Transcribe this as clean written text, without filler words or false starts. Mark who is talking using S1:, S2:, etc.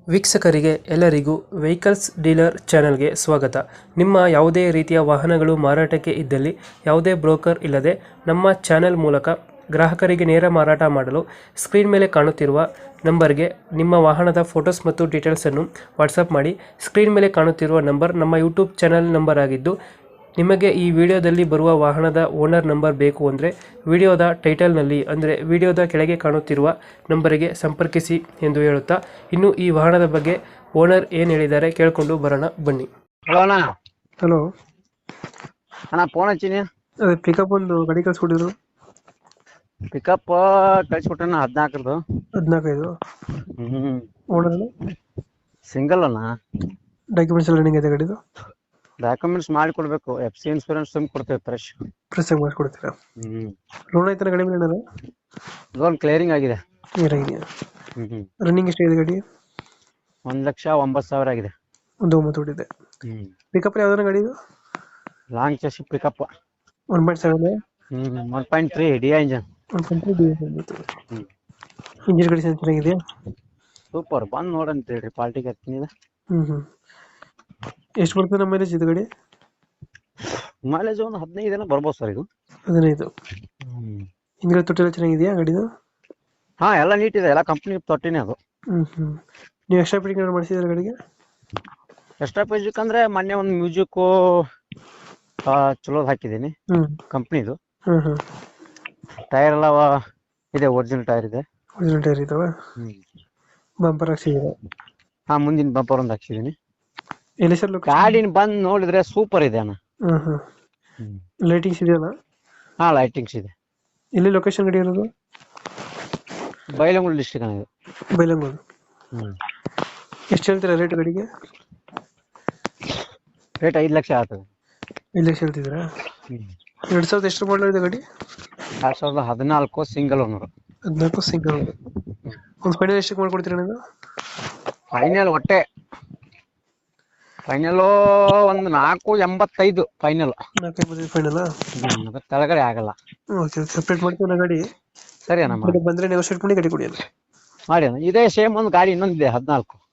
S1: ವೀಕ್ಷಕರಿಗೆ ಎಲ್ಲರಿಗೂ vehicles dealer ಚಾನೆಲ್ಗೆ ಸ್ವಾಗತ. ನಿಮ್ಮ ಯಾವುದೇ ರೀತಿಯ ವಾಹನಗಳು ಮಾರಾಟಕ್ಕೆ ಇದ್ದಲ್ಲಿ ಯಾವುದೇ ಬ್ರೋಕರ್ ಇಲ್ಲದೆ ನಮ್ಮ ಚಾನೆಲ್ ಮೂಲಕ ಗ್ರಾಹಕರಿಗೆ ನೇರ ಮಾರಾಟ ಮಾಡಲು ಸ್ಕ್ರೀನ್ ಮೇಲೆ ಕಾಣುತ್ತಿರುವ ನಂಬರ್ಗೆ ನಿಮ್ಮ ವಾಹನದ ಫೋಟೋಸ್ ಮತ್ತು ಡೀಟೇಲ್ಸನ್ನು ವಾಟ್ಸಪ್ ಮಾಡಿ. ಸ್ಕ್ರೀನ್ ಮೇಲೆ ಕಾಣುತ್ತಿರುವ ನಂಬರ್ ನಮ್ಮ ಯೂಟ್ಯೂಬ್ ಚಾನೆಲ್ ನಂಬರ್ ಆಗಿದ್ದು, ನಿಮಗೆ ಈ ವಿಡಿಯೋದಲ್ಲಿ ಬರುವ ವಾಹನದ ಓನರ್ ನಂಬರ್ ಬೇಕು ಅಂದರೆ ವಿಡಿಯೋದ ಟೈಟಲ್ನಲ್ಲಿ ಅಂದರೆ ವಿಡಿಯೋದ ಕೆಳಗೆ ಕಾಣುತ್ತಿರುವ ನಂಬರಿಗೆ ಸಂಪರ್ಕಿಸಿ ಎಂದು ಹೇಳುತ್ತಾ, ಇನ್ನು ಈ ವಾಹನದ ಬಗ್ಗೆ ಓನರ್ ಏನು ಹೇಳಿದ್ದಾರೆ ಕೇಳಿಕೊಂಡು ಬರೋಣ ಬನ್ನಿ.
S2: ಹಲೋ ಅಣ್ಣ.
S1: ಹಲೋ
S2: ಅಣ್ಣ ಫೋನ್ ಹಚ್ಚಿನಿ.
S1: ಅದೇ ಪಿಕಪ್ ಒಂದು ಗಾಡಿ ಕಳಿಸ್ಕೊಟ್ಟಿದ್ರು.
S2: ಪಿಕಪ್ ಕಳ್ಸಿಕೊಟ್ಟಣ 14.
S1: 15 ಓನರ್
S2: ಸಿಂಗಲ್ ಅಣ್ಣ.
S1: ಡಾಕ್ಯುಮೆಂಟ್ಸ್ ಎಲ್ಲ ರನ್ನಿಂಗ್ ಇದೆ ಗಾಡಿದು?
S2: ಡಾಕ್ಯುಮೆಂಟ್ಸ್ ಮಾಡಿ ಕೊಡ್ಬೇಕು. FC ಇನ್ಸೂರೆನ್ಸ್ ತುಂಬ ಕೊಡ್ತೇವೆ ಫ್ರೆಶ್
S1: ಮಾಡಿಸ್ಕೊಡ್ತೀರಾ? ಲೋನ್ ಆಯ್ತಾನ ಗಾಡಿ ಮೇಲೆ?
S2: ಲೋನ್ ಕ್ಲಿಯರಿಂಗ್ ಆಗಿದೆ.
S1: ಏನಾಗಿದೆಯಾ? ರನ್ನಿಂಗ್ ಎಷ್ಟಾಗಿದೆ ಗಾಡಿ?
S2: 1,09,000 ಆಗಿದೆ.
S1: 1,09,000 ಹೊಡಿದೆ. ಪಿಕಪ್ ಯಾವ್ದಾರ ಗಾಡಿ ಇದು?
S2: Long chassis pickup
S1: 1.7
S2: 1.3 DI engine.
S1: 1.3 engine ಗಾಡಿ ಚೆನ್ನಾಗಿದೆಯಾ?
S2: ಸೂಪರ್. ಬಂದ್ ನೋಡಂತ ಹೇಳ್ರಿ, ಪಾರ್ಟಿಗೆ ಹತ್ತಿನಿದ.
S1: ಎಷ್ಟು ಬರ್ತದೆ ನಮ್ಮ ಮೈಲೇಜ್ ಇದು ಗಾಡಿ?
S2: ಮೈಲೇಜ್ ಒಂದು 15 ಏನೋ ಬರ್ಬೋದು ಸರ್ ಇದು.
S1: 15. ಹಿಂದ್ಗಡೆ ತೊಟ್ಟಿ ಎಲ್ಲ ಚೆನ್ನಾಗಿದೆಯಾ ಗಾಡಿದು?
S2: ಹಾ, ಎಲ್ಲ ನೀಟ್ ಇದೆ. ಎಲ್ಲ ಕಂಪ್ನಿ ತೊಟ್ಟಿನೇ ಅದು.
S1: ನೀವು ಎಕ್ಸ್ಟ್ರಾ ಫಿಟ್ಟಿಂಗ್ ಏನಾದ್ರು ಮಾಡಿಸಿದ್ರೆ ಗಾಡಿಗೆ?
S2: ಎಕ್ಸ್ಟ್ರಾ ಮ್ಯೂಸಿಕ್ ಅಂದ್ರೆ ಮೊನ್ನೆ ಒಂದು ಮ್ಯೂಸಿಕ್ ಚಲೋದ್ ಹಾಕಿದ್ದೀನಿ ಕಂಪ್ನಿದು. ಟೈರ್ ಎಲ್ಲ ಇದೆ, ಒರಿಜಿನಲ್ ಟೈರ್ ಇದೆ.
S1: ಒರಿಜಿನಲ್ ಟೈರ್ ಇದಾವ? ಬಂಪರ್ ಹಾಕ್ಸಿದ್ದೀರಾ?
S2: ಹಾ, ಮುಂದಿನ ಬಂಪರ್ ಒಂದು ಹಾಕ್ಸಿದೀನಿ.
S1: ಎಲ್ಲಿ ಸರ್ ಲೊಕೇಶನ್?
S2: ಗಾಡಿನ ಬಂದ್ ನೋಡಿದ್ರೆ ಸೂಪರ್ ಇದೆ ಅಣ್ಣ.
S1: ಲೈಟಿಂಗ್ಸ್ ಇದೆಯಲ್ಲ?
S2: ಹಾ, ಲೈಟಿಂಗ್ಸ್ ಇದೆ.
S1: ಎಲ್ಲಿ ಲೊಕೇಶನ್ ಗಾಡಿ ಇರೋದು?
S2: ಬೈಲಹೊಂಗಲ ಡಿಸ್ಟ್ರಿಕ್ಟ್ ಅಣ್ಣ ಇದು.
S1: ಬೈಲಹೊಂಗಲ. ಎಷ್ಟು ಹೇಳ್ತೀರಾ ರೇಟ್ ಗಾಡಿಗೆ?
S2: ರೇಟ್ 5 ಲಕ್ಷ ಆಗ್ತದೆ.
S1: 5 ಲಕ್ಷ ಹೇಳ್ತಿದ್ದೀರಾ? 2000 ಎಷ್ಟು ಮಾಡಲ್ ಇದೆ ಗಾಡಿ?
S2: 2014 ಸಿಂಗಲ್ ಓನರ್.
S1: 14 single owner. ಒಂದು ಫೈನಲ್ ಎಷ್ಟಕ್ಕೆ ಮಾಡ್ಕೊಡ್ತೀರಾ ನೀವು?
S2: ಫೈನಲ್ ಒಂದು 485 ಫೈನಲ್.
S1: 485 ಫೈನಲ್?
S2: ಕೆಳಗಡೆ ಆಗಲ್ಲ.
S1: ಓಕೆ, ಸಪ್ರೇಟ್ ಮಾಡ್ತೀವಿ ಗಾಡಿ.
S2: ಸರಿ ಅಣ್ಣ,
S1: ಬಂದ್ರೆ ನೆಗೋಶಿಯೇಟ್ ಮಾಡಿ ಗಾಡಿ ಕೊಡಿ.
S2: ಮಾಡಿ ಅಣ್ಣ. ಇದೇ ಸೇಮ್ ಒಂದು ಗಾಡಿ ಇನ್ನೊಂದಿದೆ 14.